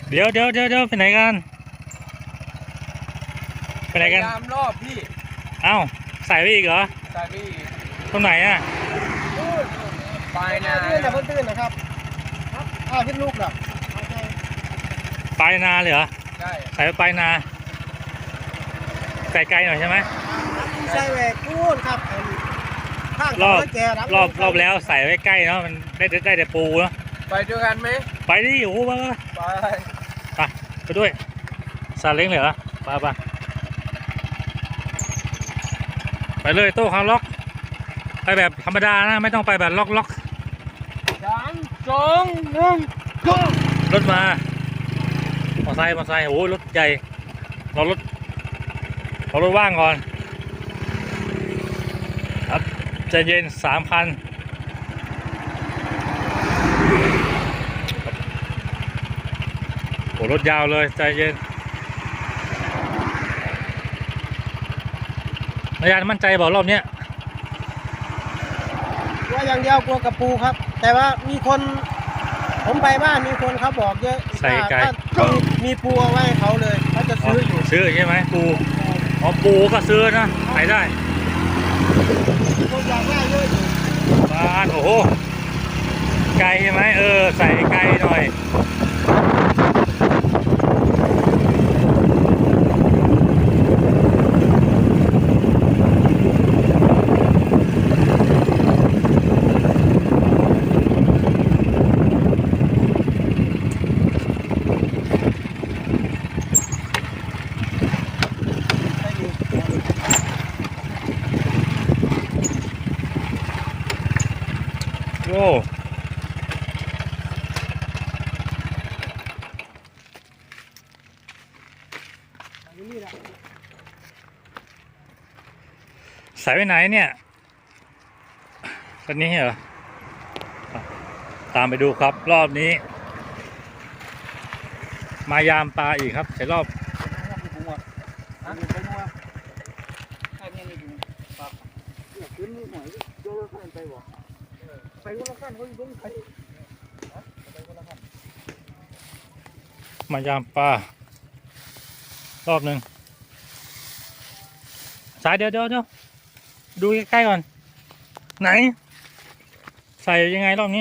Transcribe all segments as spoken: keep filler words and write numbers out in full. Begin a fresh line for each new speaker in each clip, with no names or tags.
เดี๋ยวเดี๋ยวเดี๋ยวเดี๋ยวไปไหนกันไปไหนกัน
ตามรอบพี่
เอ้าใส่ไปอีกเหรอ
ใส่พี่
ตรงไหนอ่ะ
ปลายนา
ตื้นนะเพิ่นตื้นนะครับอ่าขึ้นลูกหรอ
ปลายนาเลยเหรอ
ใช่
ใส่ไปปลายนาไกลๆหน่อยใช่ไหม
ใช่แหวกพูนครับข้าง
รอบ
แก
รอบรอบแล้วใส่ไว้ใกล้เนาะมันได้ได้แต่ปูเนาะ
ไปด้วยกันไหม
ไปดิโอ้โหไป
ไป
ไปไปด้วยซาเล้งเลยเหรอไปไปไปเลยโต้คาร์ล็อกไปแบบธรรมดานะไม่ต้องไปแบบล็อกล็อก
สามสองหนึ่งก็
รถมามอไซค์มอไซค์โอ้รถใหญ่รอรถรอรถว่างก่อนครับใจเย็นสามคันโอ้รถยาวเลยใจเย็นนายยานมั่นใจบอกรอบเนี้ย
ว่าอย่างเดียวกลัวกระปูครับแต่ว่ามีคนผมไปบ้านมีคนเขาบอกเยอะ
ใส่ไก่
มีปูเอาไว้เขาเลยเขาจะซื้ออยู่
ซื้อใช่ไหมปูอ๋อปูก็ซื้อนะขายได้
คนอยากได้เยอะอยู่
บ้านโอ้โหไก่ใช่ไหมเออใส่ไก่หน่อยโอ้ใส่ไว้ไหนเนี่ยตอนนี้เหรอตามไปดูครับรอบนี้มายามปลาอีกครับใส่รอบมายามปลารอบหนึ่งสายเดี๋ยวเดี๋ยวเดี๋ยวดูใกล้ๆก่อนไหนใส่ยังไงรอบนี้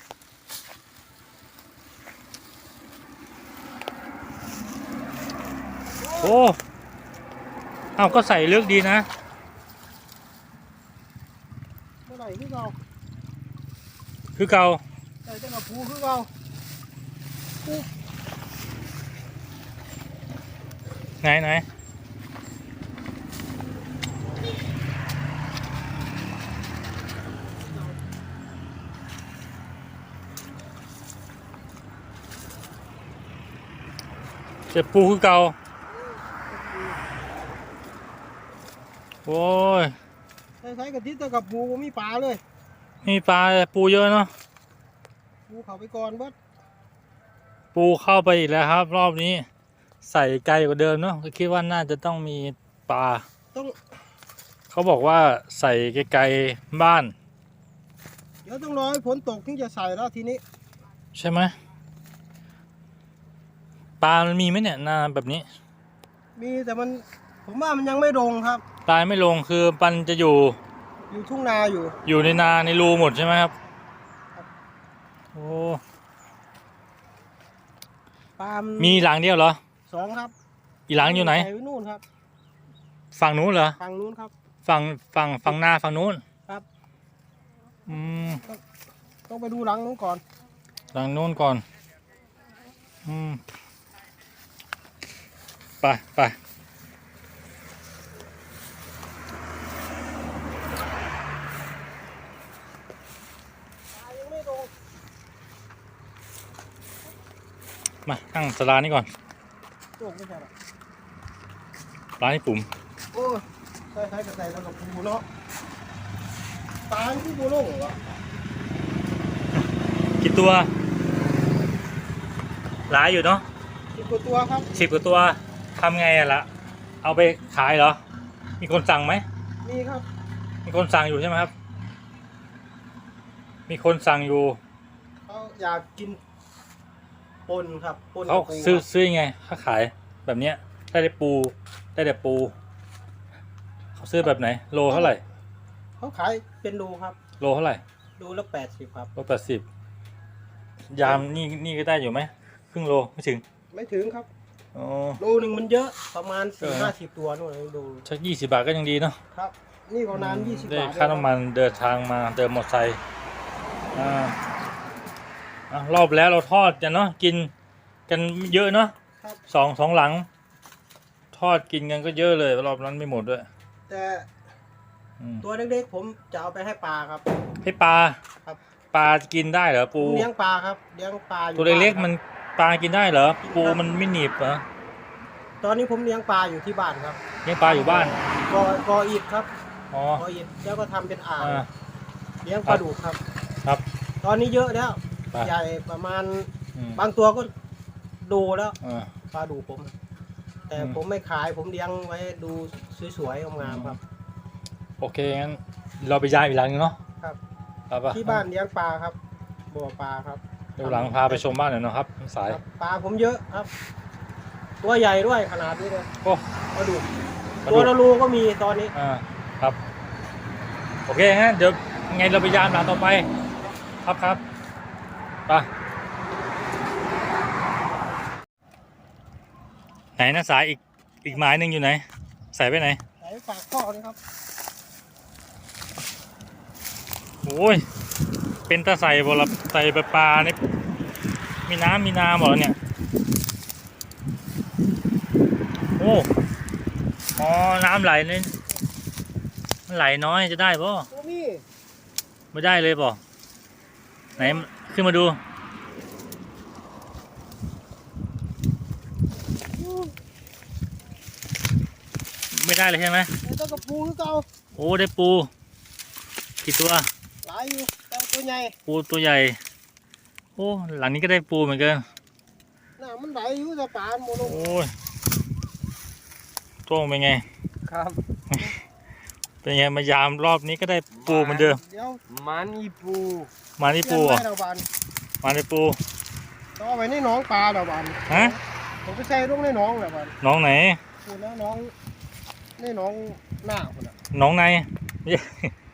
โอ้เอ้าก็ใส่ลึกดีนะ
เมื่อไหร่คือเก่า
คือเก่า
ใส่เจ้ากับปูคือเก่า
ไหนไหนเจ็บปูคือเก่าโอ้ย
ใส่ใส่กระติบเจ้ากับปูมีปลาเลย
มีปลาปูเยอะเนาะ
ปูเขาไปก่อนเบิด
ปูเข้าไปอีกแล้วครับรอบนี้ใส่ไกลกว่าเดิมเนาะก็คิดว่าน่าจะต้องมีปลา
ต้อง
เขาบอกว่าใส่ไกลๆบ้าน
เดี๋ยวต้องรอให้ฝนตกถึงจะใส่แล้วทีนี้
ใช่ไหมปลามันมีไหมเนี่ยนาแบบนี้
มีแต่มันผมว่ามันยังไม่ลงครับ
ปลาไม่ลงคือปันจะอยู่
อยู่ทุ่งนาอยู่
อยู่ในนาในรูหมดใช่ไหมครับโอ้
ปลา
มีหลังเดียวเหรอ
สองครับ
อีหลังอยู่ไหน
นู่นครับ
ฝั่งนู้นเหรอ
ฝั่งนู้นครับ
ฝั่งฝั่งฝั่งนาฝั่งนู้น
ครับ
อืม
ต้องไปดูหลังนู้นก่อน
หลังนู้นก่อนอืมไปไปมาตั้งสลานี่ก่อนร้านนี้ปุ่ม
โอ้ใส่ใส่ใส่แล้วกับปูเนาะตาที่ปูโล่งเหรอ
กี่ตัวหลายอยู่เนาะ
สิบกว่าตัวครับ
สิบกว่าตัวทำไงอะล่ะเอาไปขายเหรอมีคนสั่งไหม
มีครับ
มีคนสั่งอยู่ใช่ไหมครับมีคนสั่งอยู่
เขาอยากกินปนครับปน
เขา
กับปู
ซื้อ
ครับ
ซื้อยังไงเขาขายแบบเนี้ยได้แต่ปูได้แต่ปูเขาซื้อแบบไหนโลเท่าไหร่
เขาขายเป็นโลครับ
โลเท่าไหร่
โลละแปดสิบครับ
โลแปดสิบยามนี่นี่ก็ได้อยู่ไหมครึ่งโลไม่ถึง
ไม่ถึงครับ
อ๋อ
โลหนึ่งมันเยอะประมาณ
เอ
สี่
อ
ห้าสิบตัวนู่นเองดู
ชักยี่สิบบาทก็ยังดีเนาะ
ครับ นี่ประมาณยี่สิบ
ได้
บาท
ค่าน้ำมันเดินทางมาเดินมอเตอร์ไซค์อ่าอ่ะรอบแล้วเราทอดกันเนาะกินกันเยอะเนาะ
ครับ
สองสองหลัง ทอดกินกันก็เยอะเลยรอบนั้นไม่หมดด้วย
แต่
อืม
ตัวเล็กๆผมจะเอาไปให้ปลาครับ
ให้ปลา
ครับ
ปลากินได้เหรอปู
ผมเลี้ยงปลาครับเลี้ยงปลาอยู่
ตัวเล็ก
บ้า
ๆมัน
ครับ
ปลากินได้เหรอ
กิน
ปู
ครับ
มันไม่หนีบเหรอ
ตอนนี้ผมเลี้ยงปลาอยู่ที่บ้านครับ
เลี้ยงปลาอยู่บ้าน
กอกออิฐครับ
อ๋อก
ออิฐแล้วก็ทำเป็นอ่าง
อ่า
เลี้ยงปลาดุกครับ
ครับ
ตอนนี้เยอะแล้ว
ปลา
ใหญ่ประมาณ
อืม
บางตัวก็ดูแล้ว
อ่า
ปลาดุกผม แต่
อืม
ผมไม่ขายผมเลี้ยงไว้ดูสวยๆงามๆครับ
โอเคงั้นเราไปย้ายอีกหลังนึงเนาะ
ครับ
ไปปะ
ที่บ้านเลี้ยงปลาครับบ่อปลาครับ
เดี๋ยวหลังพาไปชมบ้านหน่อยเนาะครับสาย
ครับปลาผมเยอะครับ ตัวใหญ่ด้วยขนาดนี้เลย
โอ้
ปลาดุก
ปลา
ตัว
ดุก
ละรูก็มีตอนนี้
อ่าครับโอเคงั้นเดี๋ยวไงเราไปยามหลังต่อไปครับครับไปไหนนะสายอีกอีกไม้หนึ่งอยู่ไหนใส่ไปไหน
ใส่ฝากข้อนี่ครับ
โอ้ยเป็นตาใส่บอละใส่ปลาปลาเนี่ยมีน้ำมีน้ำหมดแล้วเนี่ยโอ้อ๋อน้ำไหลนี่มันไหลน้อยจะได้ป่ะ
ตัวนี้
ไม่ได้เลยป่ะไหนขึ้นมาดูไม่ได้เลยใช่ไหม
ไอ้ตัวกระปูคือเก่า
โอ้ได้ปูกี่ตัว
หลายอยู่แต่ตัวใหญ่
ปูตัวใหญ่โอ้หลังนี้ก็ได้ปูเหมือนกัน
น่ะมันไหลอยู่แต่ปลาโมโน
โอ้ยโต้งเป็นไง
ครับ
เป็นไงมายามรอบนี้ก็ได้ปูเหมือนเดิม
เดี๋ยว
มันอีปู
มาที่ปูเหรอ
เลี้ยงไว้ดาวบาน
มาที่ปู
ต้องเอาไว้ในหน้องปลาดาวบาน
ฮะ
ผมไปใส่ลงในหน้องดาวบาน
น้องไหน
พูดแล้วน้องในหน้องหน้าคนน่ะ
น้องใน เย้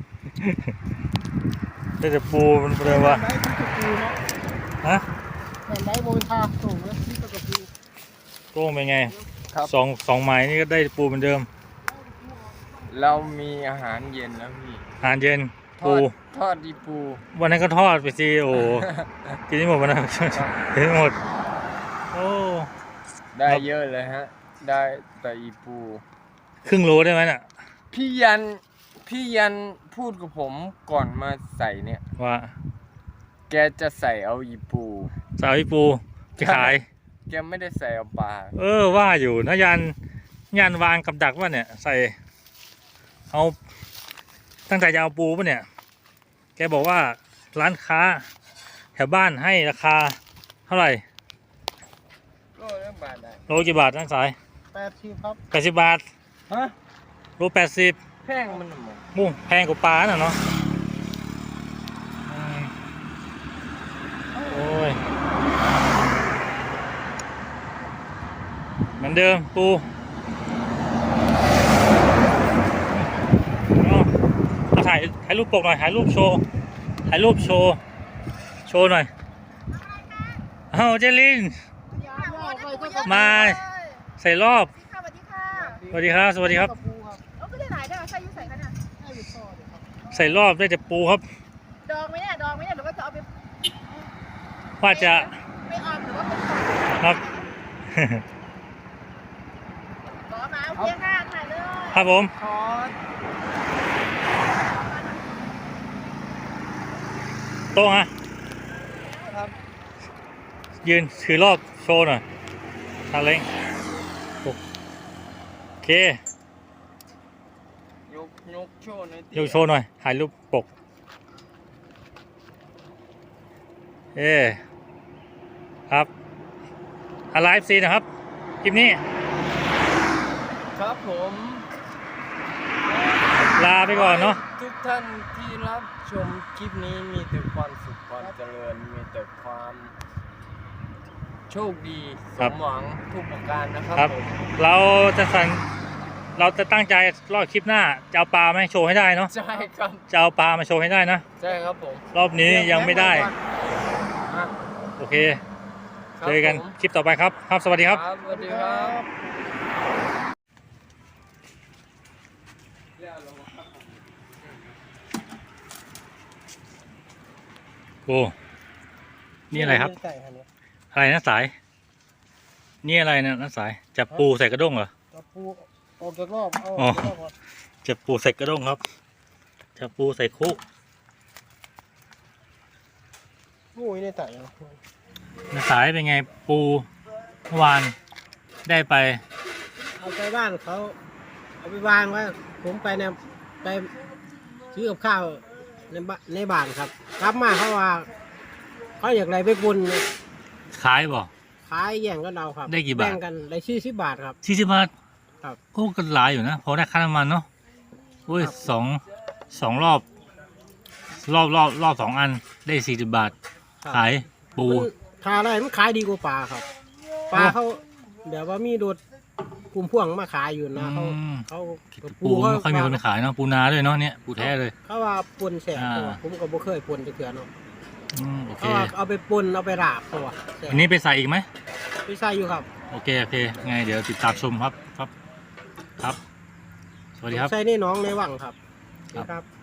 ได้แต่ปูมันเลยว่า
น้ำไหลที่กระปูเนาะ
ฮะ
น้ำไหลโมเป็นทาส่งแล้วที่กระปู
โต้งเป็นไง
ครับ
สองสองไม้นี่ก็ได้ปูเหมือนเดิม
เรามีอาหารเย็นแล้วพี่
อาหารเย็น
ท
ปู
อดทอดดีปู
วันนั้นก็ทอดไปสิโอ้โหกินไม่หมดวันนั้นกินไม่หมดโอ้
ได้เยอะเลยฮะ ได้แต่อีปู
ครึ่งโลได้ไหมน่ะ
พี่ยันพี่ยันพูดกับผมก่อนมาใส่เนี่ย
ว่า
แกจะใส่เอาอีปู
สาวพี่ปูจะขาย
แกไม่ได้ใส่เอาปลา
เออว่าอยู่นะยันยันวางกับดักว่าเนี่ย ใส่เอาตั้งใจจะเอาปูป่ะเนี่ย แกบอกว่าร้านค้าแถวบ้านให้ราคาเท่าไหร่
ก็เรื่องบาทได้
โลกี่บาทนั่งสาย
แปดสิบครับ
แปดสิบบาท
ฮะ
โลแปดสิบ
แพงมันหมด
มุ่งแพงกว่าปลาน่ะเนาะอืมโอ้ยเหมือนเดิมปูเอาเอาถ่ายถ่ายรูปปกหน่อยถ่ายรูปโชว์ถ่ายรูปโชว์โชว์หน่อยเอาเจลิน มาใส่รอบ
สวัสดีค่ะ
สวัสดีครับ สวัสดีครับ
กระปูครับ
เอาก็ได้หลายได้ใส่ยุ่ใส่กันอ่ะ
ให้อยู่ต่อเดี๋ยวครับ
ใส่รอบได้แต่ปูครับ
ดองไหมเนี่ยดองไหมเนี่ยหรือว่าจะเอาไป
ว่าจะ
ไม่ออมหรือว่าเป็นของ
ครับ
ขอมาโอเคค่ะถ่ายเลย
ครับผม
ทอด
โต๊ะฮะ
ครับ
ยืนถือรอบโชว์หน่อยทาเล้งโอเค
ยกยกโชว์หน่อย
ยกโชว์หน่อยถ่ายรูปปก เอครับอะไรเอฟซีนะครับ คลิปนี้
ครับผม
ลาไปก่อนเนาะ
ทุกท่านที่รับชมคลิปนี้มีแต่ความสุขความเจริญ มีแต่ความโชคดีส
ครับ
มหวังทุกประการนะครับ
ครับ
ผม
เราจะสั่นเราจะตั้งใจรอบคลิปหน้าจะเอาปลามาให้โชว์ให้ได้เนาะ
ใช่ครับ
จะเอาปลามาโชว์ให้ได้นะ
ใช่ครับผม
รอบนี้ยังไม่ได้
อ่ะ
โอเค
ครับ
เจอกัน
ผม
คลิปต่อไปครับ ครับ สวัสดีครับ
ครับสวัสดีครับ
โอ้นี่อะไรครับ
ใส่ครับเนี่ย
อะไรนะสาย นี่อะไรนะนะสาย จับปูใส่กระด้งเหรอ
เอาปูออกจากรอบเอา
อ๋
อ
อ
อกจากรอบก่อน
จับปูใส่กระด้งครับ จับปูใส่คุก
โอ้ยในไต่เอา
นะสายเป็นไงปูเมื่อวานได้ไป
เอาไปบ้านเขาเอาไปวางไว้ผมไปเนี่ยไปซื้อกับข้าวในบ้านในบ้านครับกลับมาเขาว่าเขาอยากอะไรไปบุญเนี่ย
ขายบ่
ขายแย่งกันเอาครับ
ได้กี่บาท
แบ่งกันได้สี่สิบบาทครับ
สี่สิบบาท
ครับ
โอ้ก็หลายอยู่นะพอได้ค่าน้ำมันเนาะโอ้ย
ครับ
สองสองรอบ รอบรอบรอบสองอันได้สี่สิบบาท
ครับ
ขายปู
มันขายอะไรมันขายดีกว่าปลาครับปลาเขาแบบว่ามีโดดกลุ่มพ่วงมาขายอยู่นะเขา
อืม
เขา
ปูไม่ค่อยมีคนไปขายเนาะปูนาด้วยเนาะเนี่ยปูแท้เลย
เขาว่าปนแสบ
อ่า
ตัวผมก็บ่เคยปนจะเถื่อเนาะ
อืมโอเค
เขาว่าเอาไปปนเอาไปราบตัวแสบ
อันนี้ไปใส่อีกไหม
พี่ใส่อยู่ครับ
โอเคโอเคไงเดี๋ยวติดตามชมครับครับครับ สวัสดีครับ
ใส่ในหน้องในวังครับ
ครับ
ครับ